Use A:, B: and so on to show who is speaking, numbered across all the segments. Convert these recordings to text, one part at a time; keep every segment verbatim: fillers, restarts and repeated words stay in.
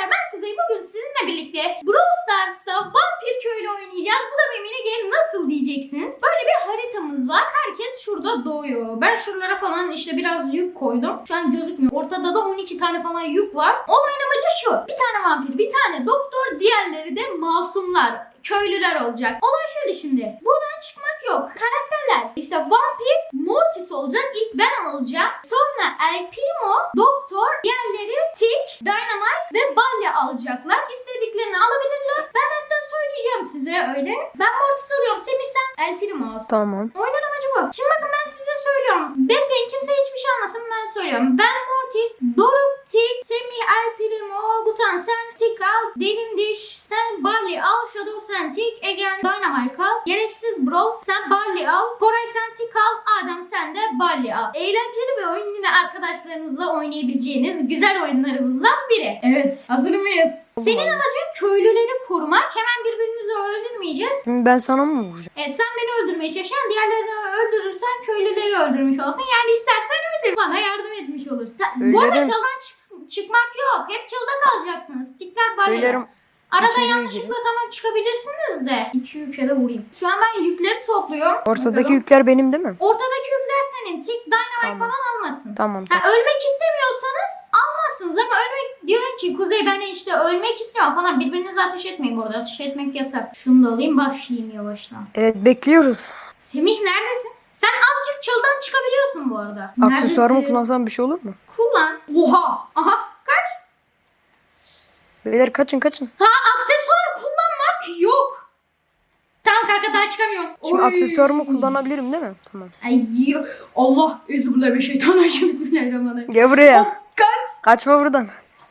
A: Arkadaşlar ben Kuzey, bugün sizinle birlikte Brawl Stars'ta vampir köylü oynayacağız. Bu da bir mini game, nasıl diyeceksiniz. Böyle bir haritamız var. Herkes şurada doğuyor. Ben şuralara falan işte biraz yük koydum. Şu an gözükmüyor. Ortada da on iki tane falan yük var. Olayın amacı şu. Bir tane vampir, bir tane doktor, diğerleri de masumlar, köylüler olacak. Olay şöyle şimdi. Buradan çıkmak yok. Karakterler işte vampir Mortis olacak. İlk ben alacağım. Sonra El Primo, Doktor, diğerleri Tick, Dynamite ve Balya alacaklar. İstediklerini alabilirler. Ben hatta söyleyeceğim size öyle. Ben Mortis alıyorum. Semih sen El Primo al.
B: Tamam.
A: Oyunun amacı bu. Şimdi bakın ben size söylüyorum. Bekleyin, kimse hiçbir şey almasın, ben söylüyorum. Ben Mortis, Doruk, Tick, Semih, El Primo, Butan sen Tick al, Derin Diş sen Barley al, Shadow sen Tick, Egen Dynamite al, Gereksiz Brawl sen Barley al, Koray sen Tick al, Adem sen de Barley al. Eğlenceli bir oyun, yine arkadaşlarınızla oynayabileceğiniz güzel oyunlarımızdan biri. Evet, hazır mıyız? Senin amacın köylüleri korumak. Hemen birbirimizi öldürmeyeceğiz.
B: Şimdi ben sana mı vuracağım?
A: Evet, sen beni öldürmeye çalışan, diğerlerini öldürürsen köylüleri öldürmüş olursun. Yani istersen öldür, bana yardım etmiş olursun. Bu arada
B: Öylerim.
A: çaldan çık- çıkmak yok. Hep çalda kalacaksınız. Tikler barlar.
B: Öylerim.
A: Arada
B: İçeri
A: yanlışlıkla
B: gireyim.
A: tamam çıkabilirsiniz de. İki yüke de vurayım. Şu an ben yükleri topluyorum.
B: Ortadaki
A: Bakalım.
B: yükler benim değil mi?
A: Ortadaki yükler senin. Tik, Dynamite
B: Tamam.
A: falan almasın.
B: Tamam.
A: Ha, ölmek istemiyorsanız almazsınız, ama ölmek diyor ki Kuzey ben işte ölmek istiyorum falan. Birbirinize ateş etmeyin bu arada. Ateş etmek yasak. Şunu da alayım, başlayayım yavaştan.
B: Evet, bekliyoruz.
A: Semih neredesin? Sen azıcık çıldan çıkabiliyorsun bu arada.
B: Aksesuarımı
A: Neredesin?
B: kullansam bir şey olur mu?
A: Kullan. Oha. Aha. Kaç?
B: Beyler kaçın kaçın.
A: Ha, aksesuar kullanmak yok. Tamam kanka, daha çıkamıyorum.
B: Şimdi
A: Oy.
B: aksesuarımı kullanabilirim değil mi? Tamam.
A: Ay yok. Allah. Euzubillahimineşşeytanirracim. Bismillahirrahmanirrahim.
B: Gel buraya.
A: Hop, kaç.
B: Kaçma buradan.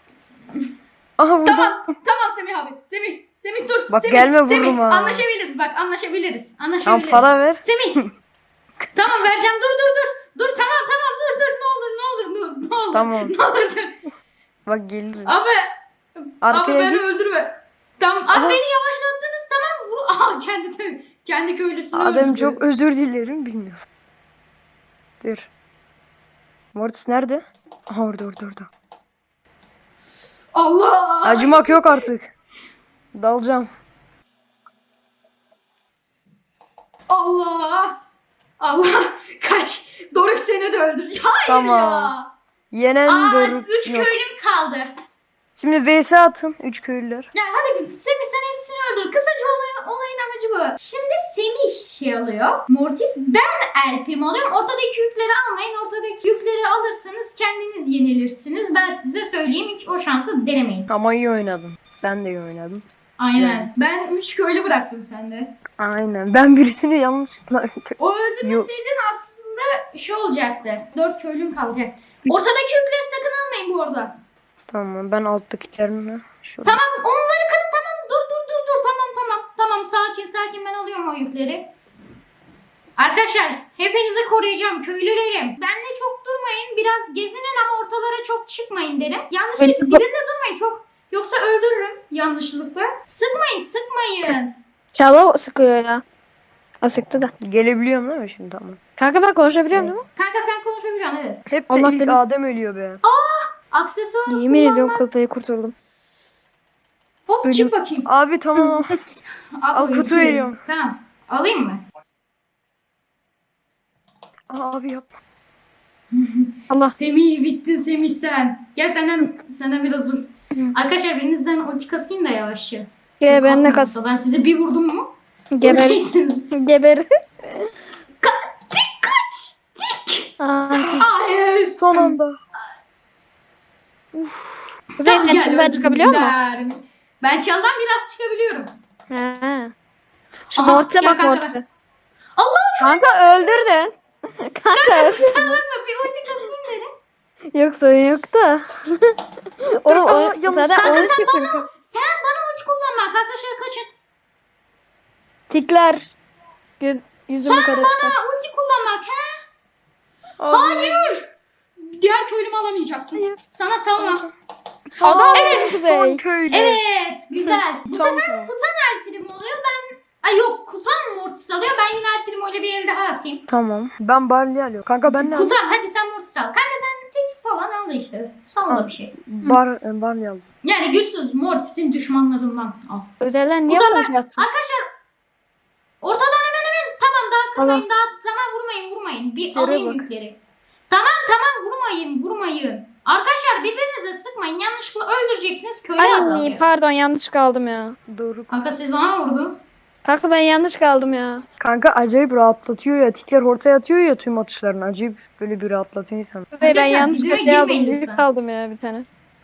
B: Aha vurdum.
A: Tamam. Tamam Semih abi. Semih. Semih dur.
B: Bak
A: Semih.
B: gelme
A: Semih.
B: vururum ha.
A: Anlaşabiliriz bak, anlaşabiliriz.
B: Tamam,
A: Anlaşabiliriz.
B: para ver.
A: Semih. Tamam vereceğim. Dur dur dur. Dur tamam tamam dur dur. Ne olur ne olur dur. Ne olur.
B: Tamam.
A: Ne olur dur.
B: Bak gelirim.
A: Abi. Abi
B: Arkaya
A: beni
B: git.
A: öldürme. Tamam. Abi
B: Aha.
A: beni yavaşlattınız, tamam. Vur. Aha kendi kendi köylüsünü
B: Adem
A: öldürdü.
B: çok özür dilerim, bilmiyorum. Dur. Mortis nerede? Aha orada orada orada.
A: Allah.
B: Acımak yok artık. Dalacağım.
A: Allah. Allah. Kaç. Doruk seni de öldürecek. Hayır
B: Tamam.
A: ya.
B: Yenen
A: Aa,
B: Doruk
A: üç
B: yok.
A: köylüm kaldı.
B: Şimdi V S atın. Üç köylüler.
A: Ya hadi bir Semih sen hepsini öldür. Kısaca olay, olayın amacı bu. Şimdi Semih şey alıyor. Mortis, ben El Primo alıyorum. Ortadaki yükleri almayın. Ortadaki yükleri alırsanız kendiniz yenilirsiniz. Ben size söyleyeyim, hiç o şansı denemeyin.
B: Ama iyi oynadın. Sen de iyi oynadın.
A: Aynen.
B: Yani.
A: Ben üç köylü bıraktım sende.
B: Aynen. Ben birisini yanlışlıkla öldürdüm.
A: O öldürmeseydin aslında şey olacaktı. Dört köylün kalacak. Ortadaki yükleri sakın almayın bu arada.
B: Tamam, ben alttakilerini şöyle.
A: Tamam, onları kırın, tamam. Dur dur dur dur. Tamam tamam. Tamam, sakin sakin, ben alıyorum o yükleri. Arkadaşlar hepinizi koruyacağım köylülerim. Bende çok durmayın. Biraz gezinin ama ortalara çok çıkmayın derim. Yanlışlıkla dibinde durmayın çok. Yoksa öldürürüm yanlışlıkla. Sıkmayın sıkmayın.
C: Çağla sıkıyor ya. O sıktı da.
B: Gelebiliyorum değil mi şimdi? Tamam.
C: Kanka ben konuşabiliyor muyum?
A: Kanka sen konuşabiliyorsun, evet.
B: Hep de
C: Allah
B: ilk
C: benim-
B: Adem ölüyor be.
A: Aksesuar
C: Yemin
A: kullanma.
C: ediyorum kılpayı kurtuldum.
A: Hop çık bakayım.
B: Abi tamam. Al,
A: o
B: kutu
A: yükleri.
B: veriyorum.
A: Tamam. Alayım mı?
B: Aa, abi yap.
C: Allah.
A: Semih bittin Semih sen. Gel senden senden biraz vur. Arkadaşlar birinizden ulti kasayım da yavaşça.
C: Gel ben de
A: Kasmayın.
C: kas.
A: Ben size bir vurdum mu?
C: Geber.
A: öleceksiniz.
C: Geber.
A: Ka- tik kaç. Tik.
C: Aa,
A: Hayır.
B: Son anda.
C: Kuzey sen
A: gel,
C: içinden çıkabiliyor musun?
A: öldüm. Ben çaldan biraz çıkabiliyorum.
C: Ha. Şu
A: Aha,
C: Mortis'e
A: gel
C: bak
A: kanka,
C: Mortis'e.
A: Allah
C: Kanka öldürdün. Kanka
A: kusura
C: öldürdün.
A: bakma, bir ulti kasayım dedim.
C: Yok sorun yok da. Oğlum
B: Aa,
C: o,
B: yanlış.
C: zaten
A: Kanka
C: onu
A: sen
C: yapıyorum.
A: bana, sen bana ulti kullanma. Arkadaşlar kaçın.
C: Tikler. Göz, yüzümü
A: Sen
C: kara
A: bana
C: çıkar.
A: ulti kullanmak he?
B: Abi.
A: Hayır. Diğer köylümü alamayacaksın.
C: Hayır.
A: Sana salma.
C: Adam
A: Evet,
C: Kuzey.
B: Son köylü.
A: Evet, güzel. Bu
B: Tam
A: sefer Kutan El Primo oluyor. Ben Ay yok, Kutan Mortis alıyor. Ben yine El Primo ile bir el daha atayım.
B: Tamam. Ben Barley alıyorum. Kanka ben ne alayım?
A: Kutan hadi sen Mortis al. Kanka sen tek falan aldı işte. Salla bir şey.
B: Bar, e, bar aldım.
A: Yani güçsüz Mortis'in düşmanlarından al.
C: Özelden niye
A: Bu da ben-
C: konuşuyorsun?
A: Arkadaşlar ortadan hemen hemen tamam daha kırmayın
C: Tamam.
A: daha tamam vurmayın vurmayın. Bir
B: Yere
A: alayım
B: bak.
A: yükleri. Tamam tamam vurmayın vurmayın. Arkadaşlar birbirinize sıkmayın yanlışlıkla öldüreceksiniz köylü
C: Ay
A: azalıyor.
C: pardon yanlış kaldım ya.
B: Doğru.
A: Kanka siz bana mı vurdunuz?
C: Kanka ben yanlış kaldım ya.
B: Kanka acayip rahatlatıyor ya. Tikler ortaya atıyor ya tüm atışlarını. Acayip böyle bir rahatlatıyor insan.
C: Kuzey ben
A: Arkadaşlar,
C: yanlış
A: dibime
C: köşeye aldım.
A: girmeyin
C: Büyük
A: lütfen.
C: kaldım ya bir tane.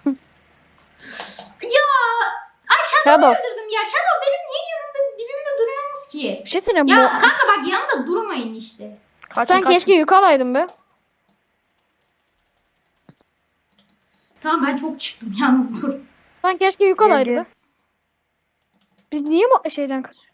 A: Ya aşağıda
C: Shadow.
A: öldürdüm ya. Shadow benim niye yanımda dibimde duruyorsunuz ki?
C: Bir şey söyleyeyim
A: Ya
C: bu.
A: kanka bak yanında durmayın işte.
B: Kaçın,
C: Sen
B: kaçın.
C: keşke yük alaydın be.
A: Tamam ben çok çıktım yalnız dur.
C: Sen keşke yük
B: Gel,
C: alaydın
B: gel.
C: be. Biz niye bu şeyden kaçıyoruz?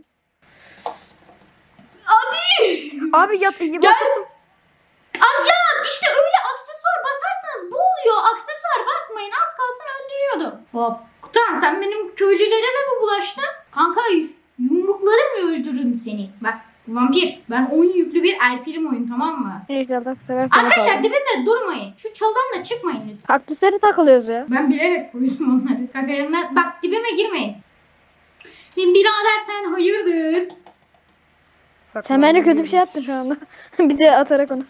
B: Abi yat iyi
A: Gel.
B: basın.
A: Ay ya işte öyle aksesuar basarsanız bu oluyor. Aksesuar basmayın az kalsın öldürüyordum. Hop. Kutan sen benim köylülere mi bulaştın? Kanka yumruklarımla öldürürüm seni. Bak vampir ben oyun yüklü bir El Primo'yum tamam mı?
C: İnşallah bu sefer sana
A: Arkadaşlar
C: kaldım.
A: dibimde durmayın. Şu çaldan da çıkmayın lütfen.
C: Kaktüslere takılıyoruz ya.
A: Ben bilerek koydum onları. Kanka yanına bak dibime girmeyin. Birader sen hayırdır?
C: Sen bence kötü bir şey yaptın şu anda. Bize atarak onu.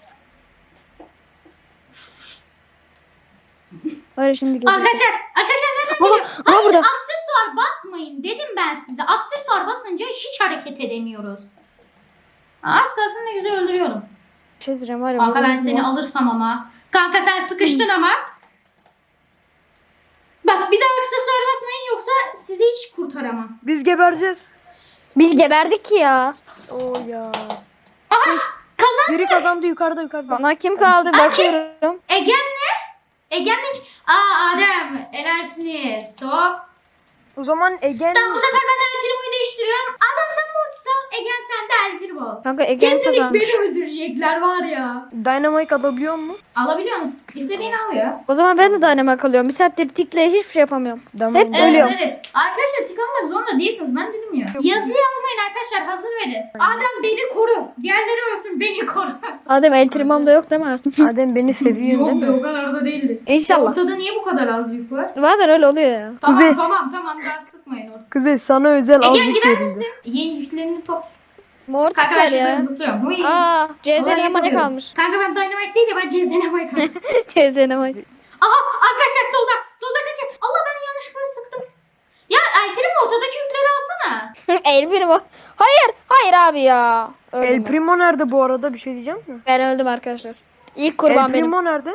C: Var ya şimdi geliyor.
A: Arkadaşlar, arkadaşlar nereden
C: Aha,
A: geliyor?
C: aha
A: Hayır,
C: burada.
A: aksesuar basmayın dedim ben size. Aksesuar basınca hiç hareket edemiyoruz. Az kalsın ne güzel öldürüyorum.
C: Bir şey söyleyeceğim var ya.
A: Kanka ben
C: bu-
A: seni alırsam ama. Kanka sen sıkıştın ama. Bak bir daha aksesuar basmayın yoksa sizi hiç kurtaramam.
B: Biz gebereceğiz.
C: Biz geberdik ki ya.
B: Oo ya.
A: Kazan
B: Biri kazandı yukarıda yukarıda.
C: Bana kim kaldı bakıyorum.
A: Egen ne? Egen'lik. Aa Adem. Helalsiniz. Hop.
B: O zaman Egen
A: Tamam bu sefer ben El Primo'yu değiştiriyorum. Adem sen Mortis al. Egen sen de El Primo.
C: Kanka Egen
A: Kesinlikle
C: kazanmış.
A: beni öldürecekler var ya.
B: Dynamite alabiliyor mu?
A: Alabiliyor musun? İstediğini al ya.
C: O zaman ben de dynamite kalıyorum. Bir saattir tikle hiçbir şey yapamıyorum.
B: Dynamite.
C: Hep
A: Evet,
C: Ölüyorum.
A: evet. Arkadaşlar tık almak zorunda değilsiniz. Ben dedim ya. Yazı yazmayın arkadaşlar. Hazır verin. Adem beni koru. Diğerleri ölsün beni koru.
C: Adem el primam da yok değil mi?
B: Adem beni seviyor değil
A: Yok be
B: mi?
A: o kadar da değildir.
C: İnşallah.
A: Ortada niye bu kadar az yük var?
C: Bazen öyle oluyor ya.
A: Tamam
B: Kuzey.
A: tamam tamam daha sıkmayın orada.
B: Kızı sana özel
A: Egen
B: azıcık
A: gider
B: yerinde.
A: misin? Yeni yüklerini top.
C: Mortis
A: Kanka ben
C: var
A: şurada
C: ya.
A: zıplıyorum. Huy.
C: Aa, C Z
A: Vallahi
C: N M A
A: yapamıyorum.
C: kalmış.
A: Kanka ben Dynamite değil de ben C Z N M A kaldım.
C: C Z N M A.
A: Aha arkadaşlar solda. Solda kaçın. Allah ben yanlışlıkla sıktım. Ya Alper'im ortadaki yükleri alsana.
C: El primo. Hayır, hayır abi ya. Öldüm
B: El
C: ben.
B: Primo nerede bu arada bir şey diyeceğim mi?
C: Ben öldüm arkadaşlar. İlk kurban
B: El
C: benim.
B: Primo nerede?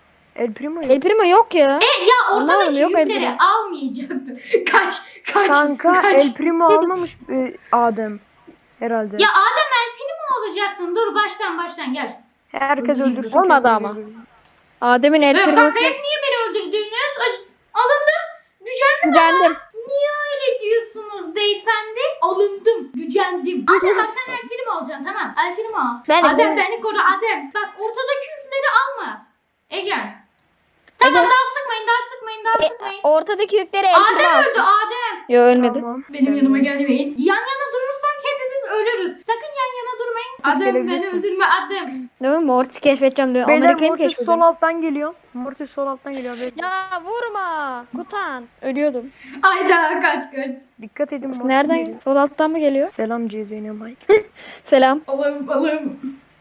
B: El Primo yok.
C: El primo yok ya.
A: E ya ortadaki
C: Anlamadım, yok
A: yükleri
C: Alper'im.
A: almayacaktı. Kaç kaç
B: Kanka
A: kaç.
B: El Primo almamış e, Adem. Herhalde.
A: Ya Adem Alper'i mi alacaktın? Dur baştan baştan gel.
B: Herkes
A: Öldüreyim.
B: öldürsün.
C: Olmadı
B: kendi
C: ama.
B: öldürür.
C: Adem'in el
A: Evet,
C: primosu.
A: kanka hep niye beni öldürdünüz? Ac- Alındım. Gücendim.
C: Güvendim.
A: Niye öyle diyorsunuz beyefendi? Alındım. Gücendim. Adem bak sen Alper'i mi alacaksın? Tamam. Alper'i mi al?
C: Ben
A: Adem
C: Ege'm.
A: beni koru Adem. Bak ortadaki yükleri alma. Egen. Tamam
C: Egen.
A: daha sıkmayın daha sıkmayın daha
C: E,
A: sıkmayın.
C: Ortadaki yükleri el primo
A: Adem
C: al.
A: öldü Adem.
C: Yo ölmedi.
B: Tamam.
A: Benim
B: Sen-
A: yanıma gelmeyin. Yan yana durursak hepimiz ölürüz. Sakın yan yana durmayın.
B: Siz
A: Adem beni
B: gelebilirsin.
A: öldürme Adem.
C: Değil mi? Mortis keşfedeceğim diyor.
B: Beyler
C: Amerika'yı mı
B: Mortis sol
C: keşfediyorum?
B: alttan geliyor. Mortis sol alttan geliyor. Bekle.
C: Ya vurma. Kutan. Ölüyordum.
A: Ayda kaç kaç.
B: Dikkat edin Mortis
C: Nereden?
B: geliyor.
C: Sol alttan mı geliyor?
B: Selam C Z N M A.
C: Selam.
A: Alım alım.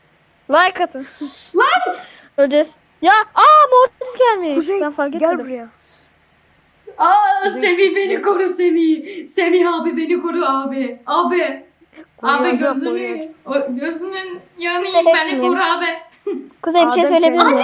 C: Like atın.
A: Lan.
C: Öleceğiz. Ya aa Mortis gelmiş.
B: Kuzey
C: Ben fark
B: gel
C: etmedim.
B: buraya.
A: Aa
B: Kuzey
A: Semih
B: çıktı.
A: beni koru Semih. Semih abi beni koru abi. Abi. Abi
B: Koruyacağım,
A: gözünü.
B: koruyacağım.
A: O, gözünün yanıyım
C: İşte
A: beni
C: bekleyin.
A: koru abi.
C: Kuzey bir şey
B: Adem
C: söyleyebilir
B: kendine-
C: miyim?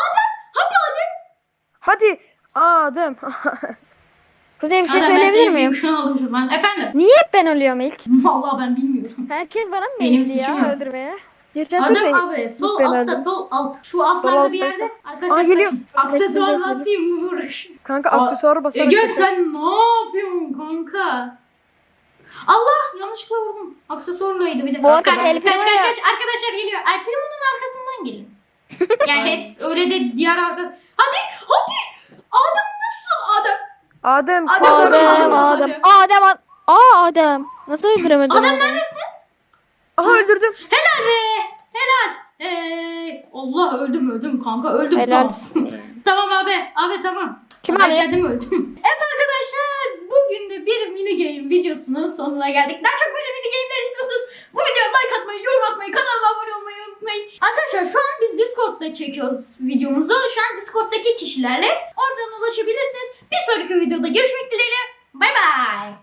B: Hadi. Adem.
C: Kuzey bir şey
A: Adem ben
C: söyleyebilir
A: senin
C: miyim?
A: büyük aldım şuradan. Efendim.
C: Niye hep ben ölüyorum ilk?
A: Vallahi ben bilmiyorum.
C: Herkes bana mı
A: Benim
C: beğendi
A: suçum
C: ya
A: yok.
C: öldürmeye? Yaşatır
A: Adam
C: beni.
A: abi sol
C: Ben
A: altta
C: öldüm.
A: sol alt. Şu altlarda
B: altta
A: bir yerde.
B: ise-
A: Arkadaşlar
B: Aa, geliyor.
A: kaçın. Aksesuar
C: Bekle, bekle.
A: atayım mı vuruş?
B: Kanka
A: Aa,
B: aksesuarı basarak.
A: Ege
B: kapat.
A: sen ne yapıyorsun kanka? Allah yanlışlıkla vurdum. Aksesuarlaydı bir de.
C: Bu arada
A: kaç, kaç,
C: El
A: kaç,
C: Primo
A: kaç,
C: ya.
A: kaç. Arkadaşlar geliyor. El Primo'nun arkasından gelin. Yani hep öyle de diğer arka... Hadi hadi. Adam nasıl adam?
B: Adem.
A: Adem.
C: Adem,
A: Adem.
C: Adem, Adem, Adem. Aa Adem. Nasıl öldüremedin
A: Adam
C: Adem'i?
A: neredesin?
B: Aha öldürdüm.
A: Helal be. Helal. Ee, Allah öldüm öldüm kanka öldüm.
C: Helal
A: Tamam.
C: olsun.
A: Tamam abi. Abi tamam.
C: Kim
A: Ben
C: alıyor?
A: kendim öldüm. Evet arkadaşlar bugün de bir mini game videosunun sonuna geldik. Daha çok böyle mini game'ler istiyorsanız bu videoya like atmayı, yorum atmayı, kanala abone olmayı unutmayın. Arkadaşlar şu an biz Discord'da çekiyoruz videomuzu. Şu an Discord'daki kişilerle oradan ulaşabilirsiniz. Bir sonraki videoda görüşmek dileğiyle. Bay bay.